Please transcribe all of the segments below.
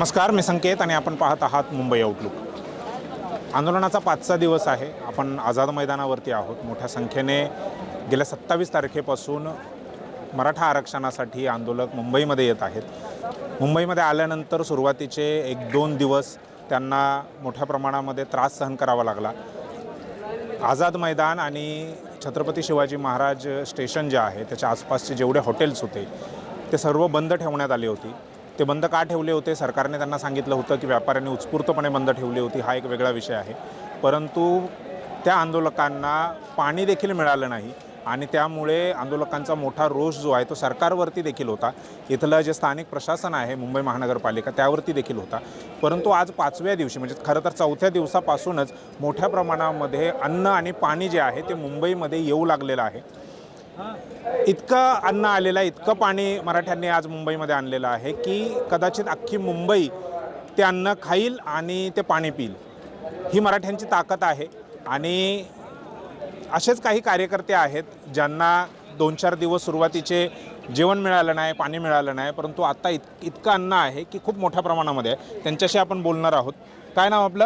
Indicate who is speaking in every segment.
Speaker 1: नमस्कार, मी संकेत आणि आपण पाहत आहात मुंबई आउटलुक। आंदोलनाचा 5चा दिवस आहे। आपण आझाद मैदानावरती आहोत। मोठ्या संख्येने गेल्या 27 तारखेपासून मराठा आरक्षणासाठी आंदोलक मुंबईमध्ये येत आहेत। मुंबईमध्ये आल्यानंतर सुरुवातीचे 1-2 दिवस त्यांना मोठ्या प्रमाणामध्ये त्रास सहन करावा लागला। आझाद मैदान आणि छत्रपती शिवाजी महाराज स्टेशन जे आहे त्याच्या आसपासचे जेवढे हॉटेल्स होते ते सर्व बंद ठेवण्यात आले होते। ते बंद का ठेवले होते? सरकारने त्यांना सांगितलं होतं की व्यापाऱ्यांनी उत्स्फूर्तपणे बंद ठेवली होती, हा एक वेगळा विषय आहे। परंतु त्या आंदोलकांना पाणी देखील मिळालं नाही आणि त्यामुळे आंदोलकांचा मोठा रोष जो आहे तो सरकारवरती देखील होता। इथलं जे स्थानिक प्रशासन आहे मुंबई महानगरपालिका त्यावरती देखील होता। परंतु आज 5व्या दिवशी म्हणजे खरं तर 4थ्या दिवसापासूनच मोठ्या प्रमाणामध्ये अन्न आणि पाणी जे आहे ते मुंबईमध्ये येऊ लागलेलं आहे। इतकं अन्न आलेलं आहे, इतकं पाणी मराठ्यांनी आज मुंबईमध्ये आणलेलं आहे की कदाचित अख्खी मुंबई ते अन्न खाईल आणि ते पाणी पिईल, ही मराठ्यांची ताकद आहे। आणि असेच काही कार्यकर्ते आहेत ज्यांना 2-4 दिवस सुरुवातीचे जेवण मिळालं नाही, पाणी मिळालं नाही, परंतु आता इतकं अन्न आहे की खूप मोठ्या प्रमाणामध्ये आहे। त्यांच्याशी आपण बोलणार आहोत। काय नाव आपलं?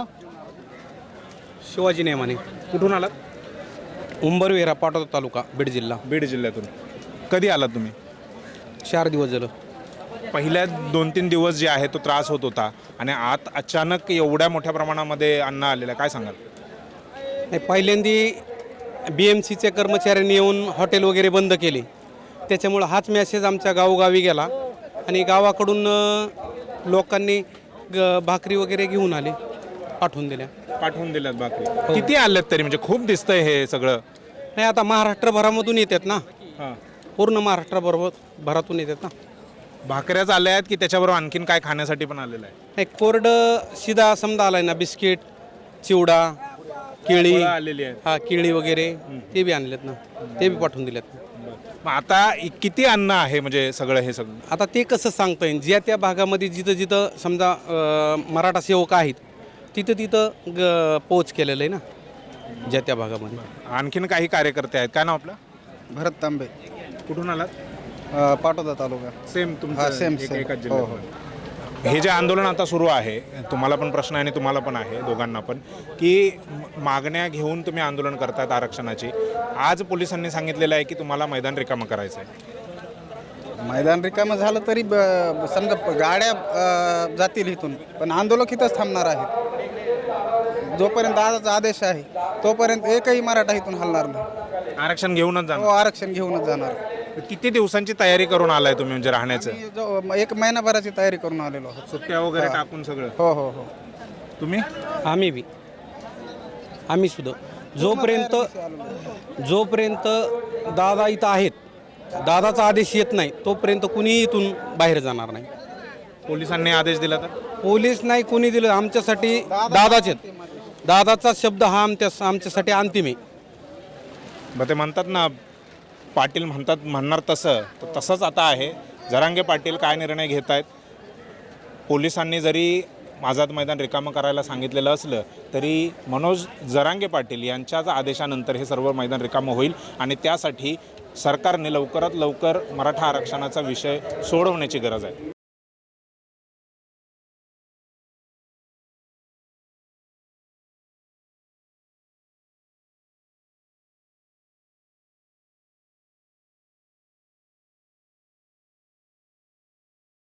Speaker 2: शिवाजी नेमाने।
Speaker 1: कुठून आलात?
Speaker 2: उंबरविरा, पाटोदा तालुका, बीड जिल्हा।
Speaker 1: बीड जिल्ह्यातून। कधी आलात तुम्ही?
Speaker 2: 4 दिवस झालं।
Speaker 1: पहिल्या 2-3 दिवस जे आहे तो त्रास होत होता आणि आत अचानक एवढ्या मोठ्या प्रमाणामध्ये अन्न आलेलं आहे, काय सांगाल?
Speaker 2: नाही, पहिल्यांदी BMCच्या कर्मचाऱ्यांनी येऊन हॉटेल वगैरे बंद केले, त्याच्यामुळं हाच मेसेज आमच्या गावोगावी गेला आणि गावाकडून लोकांनी भाकरी वगैरे घेऊन आले, पाठवून
Speaker 1: दिल्यात भाकरी। किती आल्यात तरी? म्हणजे खूप दिसतंय हे सगळं।
Speaker 2: नाही, आता महाराष्ट्रभरामधून येतात ना,
Speaker 1: हां,
Speaker 2: पूर्ण महाराष्ट्रभरातून येतात ना।
Speaker 1: भाकऱ्याच आल्या आहेत की त्याच्याबरोबर आणखीन काय खाण्यासाठी पण आलेलं आहे?
Speaker 2: नाही, कोरडं शिदा समजा आलाय ना, बिस्किट, चिवडा, केळी
Speaker 1: आलेली आहे।
Speaker 2: हा, केळी वगैरे ते बी आणलेत ना, ते बी पाठवून दिलेत।
Speaker 1: मग आता किती अन्न आहे म्हणजे सगळं हे सगळं?
Speaker 2: आता ते कसं सांगता येईल? ज्या त्या भागामध्ये जिथं जिथं समजा मराठा सेवक आहेत तिथं पोच केलेलं आहे ना, ज्या त्या भागामध्ये।
Speaker 1: आणखीन काही कार्यकर्ते आहेत। काय नाव आपलं?
Speaker 3: भरत तांबे,
Speaker 1: कुठून आलात?
Speaker 3: पाटोदा तालुका।
Speaker 1: सेम
Speaker 3: हा,
Speaker 1: तुमचं?
Speaker 3: सेम.
Speaker 1: एकाच
Speaker 3: हो,
Speaker 1: जिल्ह्यात। हे जे आंदोलन आता सुरू आहे, तुम्हाला पण प्रश्न आहे आणि तुम्हाला पण आहे, दोघांना पण, की मागण्या घेऊन तुम्ही आंदोलन करतायत आरक्षणाची। आज पोलिसांनी सांगितलेलं आहे की तुम्हाला मैदान रिकामं करायचं आहे।
Speaker 3: मैदान रिकामं झालं तरी समजा गाड्या जातील इथून, पण आंदोलक इथंच थांबणार आहेत। जोपर्यंत आजचा आदेश आहे तोपर्यंत एकही मराठा इथून हलणार नाही।
Speaker 1: आरक्षण घेऊनच
Speaker 3: हो,
Speaker 1: जाणार?
Speaker 3: आरक्षण घेऊनच जाणार।
Speaker 1: किती दिवसांची तयारी करून आलाय तुम्ही म्हणजे राहण्याचं?
Speaker 3: आम्ही 1 महिनाभराची तयारी करून आलेलो आहोत।
Speaker 1: सुट्ट्या वगैरे टाकून सगळं?
Speaker 3: हो हो हो।
Speaker 1: तुम्ही?
Speaker 2: आम्ही सुद्धा जोपर्यंत दादा इथं आहेत, दादाचा आदेश येत नाही तोपर्यंत कुणी इथून बाहेर जाणार नाही।
Speaker 1: पोलिसांनी आदेश दिला तर?
Speaker 2: पोलीस नाही, कुणी दिलं, आमच्यासाठी दादाचा शब्द हा आमच्यासाठी अंतिम आहे।
Speaker 1: मग ते म्हणतात ना, पाटील म्हणणार तसंच आता आहे। जरांगे पाटील काय निर्णय घेत आहेत? पोलिसांनी जरी आझाद मैदान रिकामं करायला सांगितलेलं असलं तरी मनोज जरांगे पाटील यांच्याच आदेशानंतर हे सर्व मैदान रिकामं होईल आणि त्यासाठी सरकारने लवकरात लवकर मराठा आरक्षणाचा विषय सोडवण्याची गरज आहे।